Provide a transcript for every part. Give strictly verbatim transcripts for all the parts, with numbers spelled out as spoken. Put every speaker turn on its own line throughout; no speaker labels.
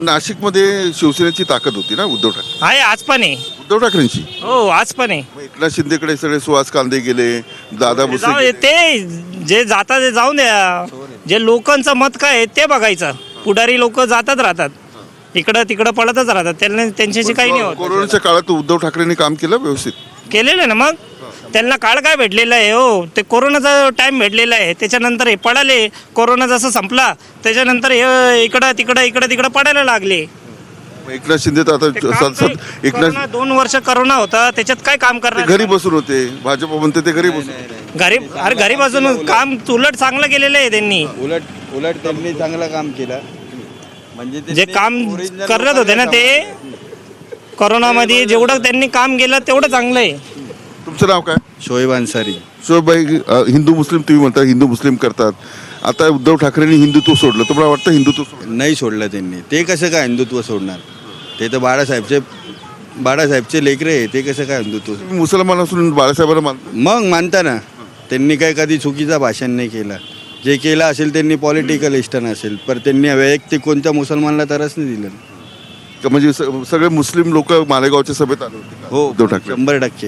नाशिकमध्ये शिवसेनेची ताकद होती ना उद्धव ठाकरे
आहे आज पण आहे.
उद्धव ठाकरेंची.
हो आज पण आहे.
मग एकनाथ शिंदेकडे सगळे सुहास कांदे गेले, दादा भुसे
जाऊ
गेले.
दे, ते जे जातात ते जाऊन द्या. जे लोकांचं मत काय आहे ते बघायचं. पुढारी लोक जातात राहतात, इकडं तिकडं पळतच राहतात, त्यांना त्यांच्याशी काही नाही होत.
कोरोनाच्या काळात उद्धव ठाकरेंनी काम केलं व्यवस्थित.
केलेलं आहे ना. मग त्यांना काळ काय भेटलेला आहे हो, ते कोरोनाचा टाइम भेटलेला आहे. त्याच्यानंतर हे पडाले, कोरोना जसं संपला त्याच्यानंतर हे इकडं तिकडं इकडं तिकडं पडायला लागले.
मग एकनाथ शिंदे तर
ते
आता
काम
सत-
काही-
सत- एकनाथ
कोरोना दोन वर्ष कोरोना होता, त्याच्यात काय काम
ते
करणार.
घरी बसून होते, भाजप म्हणते ते घरी बसून.
घरी अरे घरी बसून काम उलट चांगलं केलेलं आहे त्यांनी.
उलट उलट त्यांनी चांगलं काम केलं. म्हणजे ते-
जे
ते
काम
original
करत होते ना ते कोरोनामध्ये, जेवढं त्यांनी काम केलं तेवढं चांगलं आहे.
तुमचं नाव काय?
शोएब अन्सारी.
शोभाई, हिंदू मुस्लिम तुम्ही म्हणता, हिंदू मुस्लिम करतात. आता उद्धव ठाकरेंनी हिंदुत्व सोडलं, तुम्हाला वाटतं हिंदुत्व सोडलं?
नाही सोडलं त्यांनी. ते कसं काय हिंदुत्व सोडणार? ते तर बाळासाहेबचे बाळासाहेबचे लेकरे आहे. ते कसं काय हिंदुत्व?
तुम्ही मुसलमान असून बाळासाहेबांना मानता?
मग मानता ना. त्यांनी काय कधी चुकीचा भाषण नाही केलं. जे केलं असेल त्यांनी पॉलिटिकल इस्टन असेल, पण त्यांनी वैयक्तिक कोणत्या मुसलमानला तरच नाही दिलं.
का म्हणजे स- सगळे मुस्लिम लोक मालेगावच्या सभेत आले होते का?
हो,
उद्धव ठाकरे.
शंभर टक्के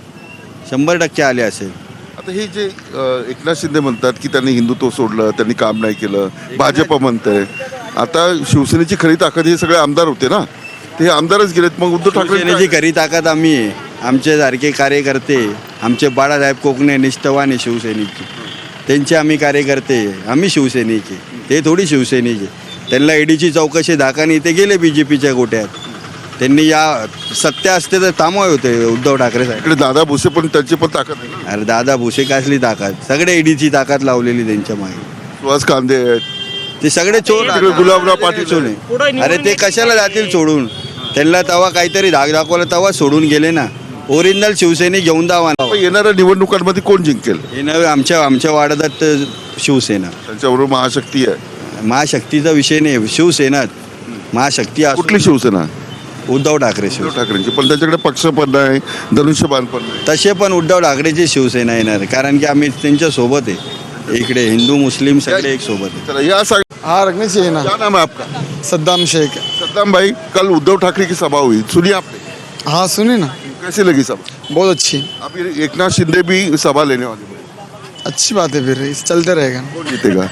शंभर टक्के आले असेल.
आता हे जे अ, एकनाथ शिंदे म्हणतात की त्यांनी हिंदुत्व सोडलं, त्यांनी काम नाही केलं, भाजप म्हणतंय. आता शिवसेनेची खरी ताकद हे सगळे आमदार होते ना, ते हे आमदारच गेलेत. मग उद्धव ठाकरे
शिवसेनेची खरी ताकद आम्ही आहे. आमच्यासारखे कार्यकर्ते, आमचे बाळासाहेब कोकणे निष्ठावान आहे शिवसैनिकचे. त्यांचे आम्ही कार्यकर्ते आहे. आम्ही शिवसैनिक आहे, ते थोडी शिवसैनिक आहे. त्यांना ईडीची चौकशी धाकानी ते गेले बी जे पीच्या गोट्यात. त्यांनी या सत्य असते तर थांबवाय होते उद्धव ठाकरे साहेब.
इकडे दादा भुसे पण, त्यांची पण ताकद आहे ना.
अरे दादा भुसे कसली ताकद? सगळे ईडीची ताकद लावलेली त्यांच्या मागे.
सुहास कांदे आहेत,
ते सगळे चोर.
तिकडे गुलाबराव पाटील
सोडून.
पुढं निवडून
अरे ते कशाला जातील सोडून? त्यांना तवा काहीतरी धाक दाखवला तेव्हा सोडून गेले ना. ओरिजिनल शिवसैनिक घेऊन दावा.
पण येणाऱ्या निवडणुकांमध्ये कोण जिंकेल?
हे नव्हे, आमच्या आमच्या वार्डात शिवसेना.
त्यांच्याबरोबर महाशक्ती आहे.
महाशक्तीचा विषय नाही, शिवसेनाच महाशक्ती असो.
कुठली शिवसेना?
उद्धव ठाकरे
उद्धव
शिवसेना.
ठाकरेंची. पण त्यांच्याकडे पक्ष पण नाही, धनुष्यबाण पण नाही.
तसे पण उद्धव ठाकरेची शिवसेना येणार, कारण की आम्ही त्यांच्या सोबत आहे. इकडे हिंदू मुस्लिम सगळे एक सोबत आहे.
चला या सांग,
हाँ रखनी चाहिए ना।
क्या नाम है आपका?
सद्दाम शेख।
सद्दाम भाई, कल उद्धव ठाकरे की सभा हुई, सुनी आपने?
हाँ सुनी ना,
कैसी लगी सभा?
बहुत अच्छी
अभी एकनाथ शिंदे भी सभा लेने वाले हैं।
अच्छी बात है। फिर इस चलते रहेगा।
कौन जीतेगा?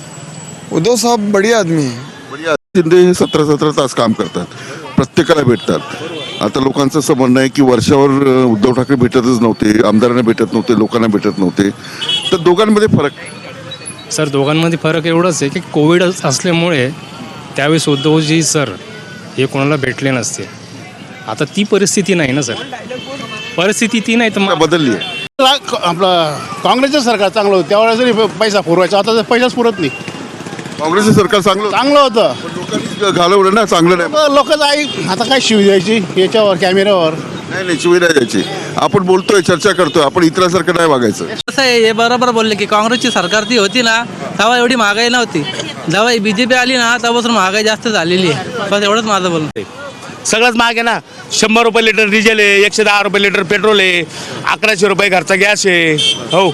उद्धव साहब बढ़िया आदमी है।
बढ़िया. शिंदे हे सतरा सतरा तास काम करतात, प्रत्येकाला भेटतात. आता लोकांचं असं म्हणणं आहे की वर्षावर अ, उद्धव ठाकरे भेटतच नव्हते, आमदारांना भेटत नव्हते, लोकांना भेटत नव्हते. तर दोघांमध्ये फरक आहे.
सर दोघांमध्ये फरक एवढाच आहे की कोविड असल्यामुळे त्यावेळेस उद्धवजी सर हे कोणाला भेटले नसते. आता ती परिस्थिती नाही ना सर, परिस्थिती ती नाही तर
आता
मग
बदलली आहे.
आपलं काँग्रेसचं सरकार चांगलं होतं त्यावेळेस जरी पैसा पुरवायचा, आता तर पैसाच पुरत नाही.
काँग्रेसचं सरकार चांगलं होतं.
चांगलं होतं.
पण लोकांनी घालवलं ना, चांगलं नाही.
लोकच आई आता काय शिव द्यायची याच्यावर कॅमेऱ्यावर.
नाही नाही, शिवाय नाही द्यायची. आपण बोलतोय, चर्चा करतोय, आपण इतरांसारखं नाही वागायचं.
कसं आहे, हे बरोबर बोलले की काँग्रेसची सरकार ती होती ना तेव्हा एवढी महागाई नव्हती. जेव्हा बी जे पी आली ना तेव्हापासून महागाई जास्त झालेली आहे. बस एवढंच माझं बोलणं आहे.
सगळंच महाग आहे ना. शंभर रुपये लिटर डिझेल आहे, एकशे दहा रुपये लिटर पेट्रोल आहे, अकराशे रुपये घरचा गॅस आहे. हो,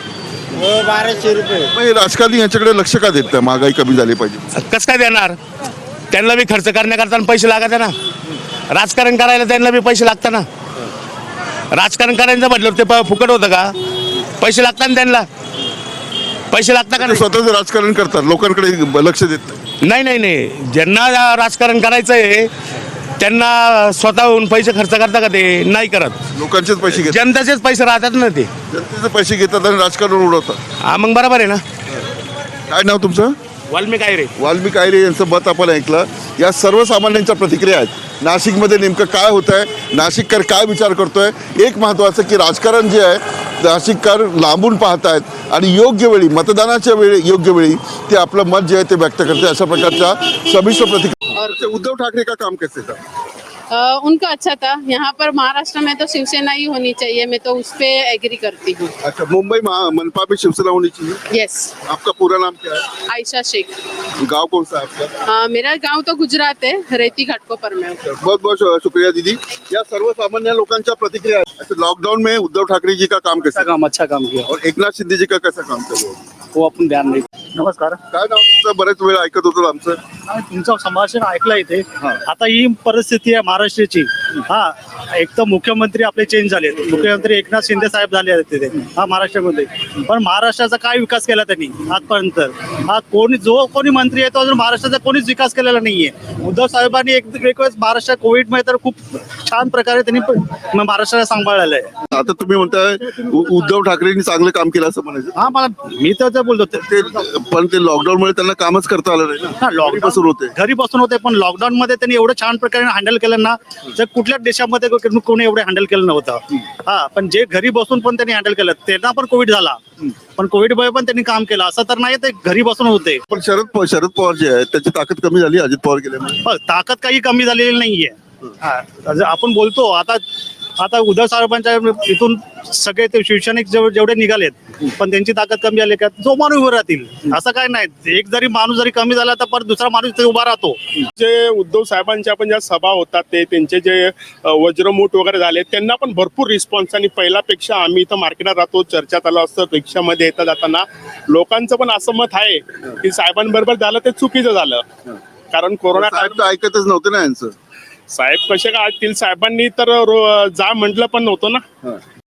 मग हे राजकारणी याच्याकडे लक्ष का देत नाही? महागाई कमी झाली पाहिजे.
कसं काय देणार? त्यांना बी खर्च करण्याकरता पैसे लागत आहे ना. राजकारण करायला त्यांना बी पैसे लागतात ना. राजकारण करायचं म्हटलं ते प- फुकट होतं का? पैसे लागतात ना त्यांना. पैसे लागतात का
ते
नाही?
स्वतःच राजकारण करतात, लोकांकडे लक्ष देत नाही.
नाही नाही नाही, ज्यांना राजकारण करायचं आहे त्यांना स्वतःहून पैसे खर्च करता का? ते नाही करत.
लोकांचेच पैसे घेतात,
जनतेचेच पैसे राहतात ना ते.
जनतेचे पैसे घेतात आणि राजकारण उडवतात.
हा मग बरोबर आहे ना.
काय नाव तुमचं?
वाल्मिक आहे रे.
वाल्मिक आयरे यांचं मत आपण ऐकलं. या सर्वसामान्यांच्या प्रतिक्रिया आहेत. नाशिकमध्ये नेमकं काय होत आहे, नाशिककर काय विचार करतोय. एक महत्त्वाचं की राजकारण जे आहे नाशिककर लांबून पाहतायत आणि योग्य वेळी, मतदानाच्या वेळी, योग्य वेळी ते आपलं मत जे आहे ते व्यक्त करते. अशा प्रकारच्या समिश्र प्रतिक्रिया. उद्धव ठाकरे का काम कैसे था?
अ, उनका अच्छा था। यहाँ पर महाराष्ट्र में तो शिवसेना ही होनी चाहिए, मैं तो उस पे एग्री करती हूँ।
अच्छा, मुंबई महा- मनपा में शिवसेना होनी चाहिए.
यस।
आपका पूरा नाम क्या है?
आयशा शेख।
गांव कौन सा है आपका?
अ, मेरा गांव तो गुजरात है, रेती घाटकोपर में हूँ।
बहुत बहुत शुक्रिया दीदी. या सर्वसामान्य लोकांच्या प्रतिक्रिया आहेत. अच्छा, लॉकडाउन में उद्धव ठाकरे जी का काम कैसा?
काम अच्छा काम किया
और एकनाथ शिंदे जी का कैसा काम कर रहे हो?
वो अपन ध्यान नहीं
नमस्कार.
काय नाव तुमचं? बरेच वेळ ऐकत होतो आमचं.
हा, तुमचं संभाषण ऐकलं इथे. आता ही परिस्थिती आहे महाराष्ट्राची. हा, एक तर मुख्यमंत्री आपले चेंज झाले, मुख्यमंत्री एकनाथ शिंदे साहेब झाले आहेत तिथे हा महाराष्ट्रामध्ये. पण महाराष्ट्राचा काय विकास केला त्यांनी आजपर्यंत? हा कोणी जो कोणी मंत्री आहे तो अजून महाराष्ट्राचा कोणीच विकास केलेला नाहीये. उद्धव साहेबांनी एक एक वेळेस महाराष्ट्र कोविडमध्ये तर खूप छान प्रकारे त्यांनी प- महाराष्ट्राला सांभाळलेलं आहे.
आता तुम्ही म्हणताय उ- उद्धव ठाकरेंनी चांगलं काम केलं असं म्हणायचं.
हा, मला मी तर ते बोलतो ते-
ते पण ते लॉकडाऊनमुळे त्यांना कामच करता आलं नाही
हा,
ना.
लॉकडाऊन
पासून होते.
घरी बसून होते, पण लॉकडाऊन मध्ये त्यांनी एवढं छान प्रकारे हँडल केलं ना, तर कुठल्याच देशामध्ये को- कोणी एवढं हँडल केलं नव्हतं. हा, पण जे घरी बसून पण त्यांनी हँडल केलं, त्यांना पण कोविड झाला, पण कोविड मुळे पण त्यांनी काम केलं. असं तर नाही ते घरी बसून होते.
पण शरद प- शरद पवार जे आहेत त्याची ताकद कमी झाली अजित पवार गेल्यामुळे.
पण ताकद काही कमी झालेली नाहीये. हा, जर आपण बोलतो आता आता उद्धव साहेबांच्या इथून सगळे ते शिवसैनिक जेव- जेवढे निघालेत, पण त्यांची ताकद कमी झाली का जो माणूस उभं राहतील असं काय नाही. एक जरी माणूस जरी कमी झाला तर परत दुसरा माणूस ते उभा राहतो.
जे उद्धव साहेबांच्या पण ज्या सभा होतात ते त्यांचे जे अ, वज्रमूठ वगैरे झाले त्यांना पण भरपूर रिस्पॉन्स. आणि पहिल्यापेक्षा आम्ही इथं मार्केटात राहतो, चर्चा चालू असतं रिक्षामध्ये येता जाताना, लोकांचं पण असं मत आहे की साहेबांबरोबर झालं ते चुकीचं झालं. कारण कोरोना काळ
साहेब तर ऐकतच नव्हते ना यांचं.
साहेब कसे काय ऐकतील? साहेबांनी तर रो- जा म्हटलं पण नव्हतं ना.